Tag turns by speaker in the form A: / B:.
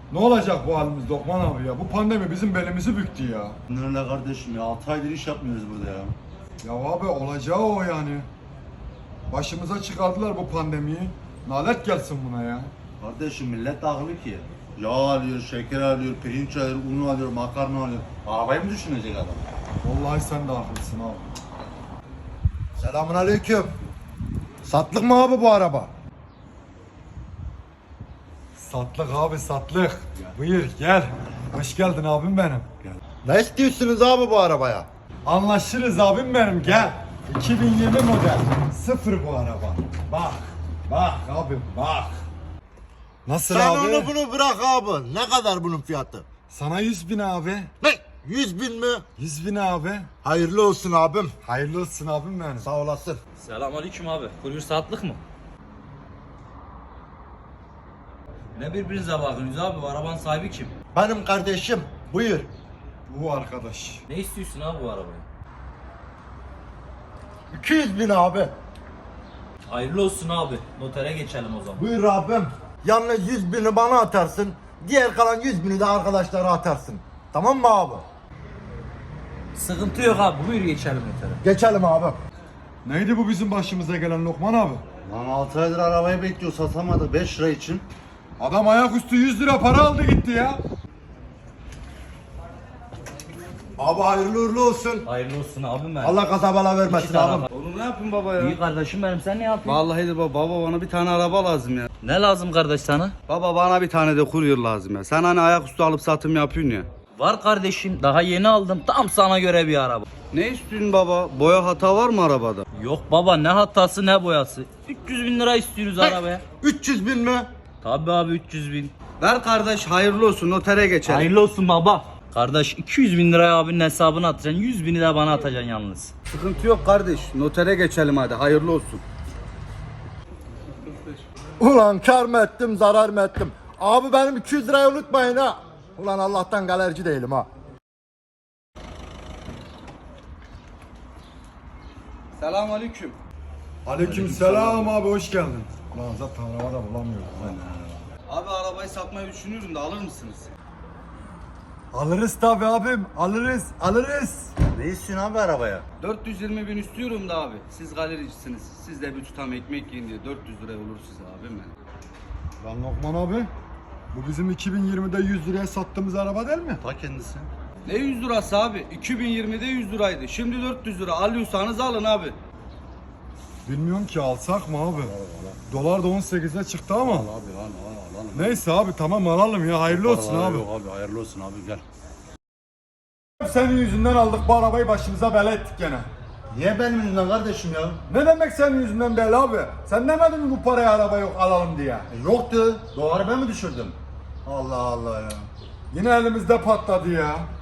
A: Ne olacak bu halimiz Lokman abi ya? Bu pandemi bizim belimizi büktü ya.
B: Nerede kardeşim ya? 6 aydır iş yapmıyoruz burada ya.
A: Ya abi olacağı o yani. Başımıza çıkardılar bu pandemiyi. Nalet gelsin buna ya.
B: Kardeşim millet akıllı ki. Yağ alıyor, şeker alıyor, pirinç alıyor, un alıyor, makarna alıyor. Arabayı mı düşünecek adam?
A: Vallahi sen de haklısın abi.
C: Selamünaleyküm. Satlık mı abi bu araba?
A: Satlık abi satlık. Buyur gel. Hoş geldin abim benim.
C: Ne istiyorsunuz abi bu arabaya?
A: Anlaşırız abim benim gel. 2020 model. Sıfır bu araba. Bak. Bak abim bak. Nasıl
C: Sen
A: abi?
C: onu bunu bırak abi. Ne kadar bunun fiyatı?
A: Sana 100 bin abi.
C: Ne? 100 bin mi?
A: 100 bin abi.
C: Hayırlı olsun abim.
A: Hayırlı olsun abim benim.
C: Sağ olasın.
D: Selamünaleyküm abi. Kuryer saatlik mı? Ne birbirinize bakıyorsunuz abi? Bu arabanın sahibi kim?
C: Benim kardeşim. Buyur.
A: Bu arkadaş.
D: Ne istiyorsun abi bu arabayı?
C: 200 bin abi.
D: Hayırlı olsun abi. Notere geçelim o zaman.
C: Buyur abim. Yalnız 100 bini bana atarsın. Diğer kalan 100 bini de arkadaşlara atarsın. Tamam mı abi?
D: Sıkıntı yok abi. Buyur geçelim notere.
C: Geçelim abi.
A: Neydi bu bizim başımıza gelen Lokman abi?
B: Lan 6 aydır arabayı bekliyor, satamadı 5 lira için.
A: Adam ayaküstü 100 lira para aldı gitti ya.
C: Abi hayırlı uğurlu olsun.
D: Hayırlı olsun abim benim.
C: Allah kaza bela vermesin
D: İki
C: abim.
D: tarafa.
E: Oğlum ne yapayım baba ya?
D: İyi kardeşim benim. Sen ne yapıyorsun?
E: Vallahi de baba bana bir tane araba lazım ya.
D: Ne lazım kardeş sana?
E: Baba bana bir tane de kuryer lazım ya. Sen hani ayaküstü alıp satım yapıyorsun ya.
D: Var kardeşim. Daha yeni aldım. Tam sana göre bir araba.
E: Ne istiyorsun baba? Boya hata var mı arabada?
D: Yok baba, ne hatası ne boyası. 300 bin lira istiyoruz arabaya.
C: 300 bin mi?
D: Tabii abi 300 bin.
E: Ver kardeş, hayırlı olsun, notere geçelim.
D: Hayırlı olsun baba. Kardeş 200 bin liraya abinin hesabına atacaksın. 100 bini de bana atacaksın yalnız.
E: Sıkıntı yok kardeş, notere geçelim hadi, hayırlı olsun.
C: Ulan kar mı ettim zarar mı ettim? Abi benim 200 lirayı unutmayın ha. Ulan Allah'tan galerci değilim ha.
E: Selamünaleyküm.
A: Aleykümselam abi hoş geldin. Lan zaten arabada bulamıyorum.
E: Abi arabayı satmayı düşünüyorum da alır mısınız?
A: Alırız tabi abim alırız.
B: Ne istiyorsun abi arabaya?
E: 420 bin istiyorum da abi. Siz galericisiniz. Siz de bir tutam ekmek yiyin diye 400 liraya olur size abim benim.
A: Lan Lokman abi bu bizim 2020'de 100 liraya sattığımız araba değil mi?
B: Ta kendisi.
E: Ne 100 lirası abi? 2020'de 100 liraydı. Şimdi 400 lira. Alıyorsanız alın abi.
A: Bilmiyorum ki alsak mı abi? Dolar da 18'e çıktı ama.
B: Abi alalım.
A: Neyse abi tamam alalım ya hayırlı olsun abi.
B: Yok abi hayırlı olsun abi gel.
A: Senin yüzünden aldık bu arabayı başımıza bela ettik gene.
B: Niye benim yüzümden kardeşim ya?
A: Ne demek senin yüzünden bela abi? Sen demedin mi bu paraya araba yok alalım diye?
B: Yoktu. Doğru ben mi düşürdüm? Allah Allah ya.
A: Yine elimizde patladı ya.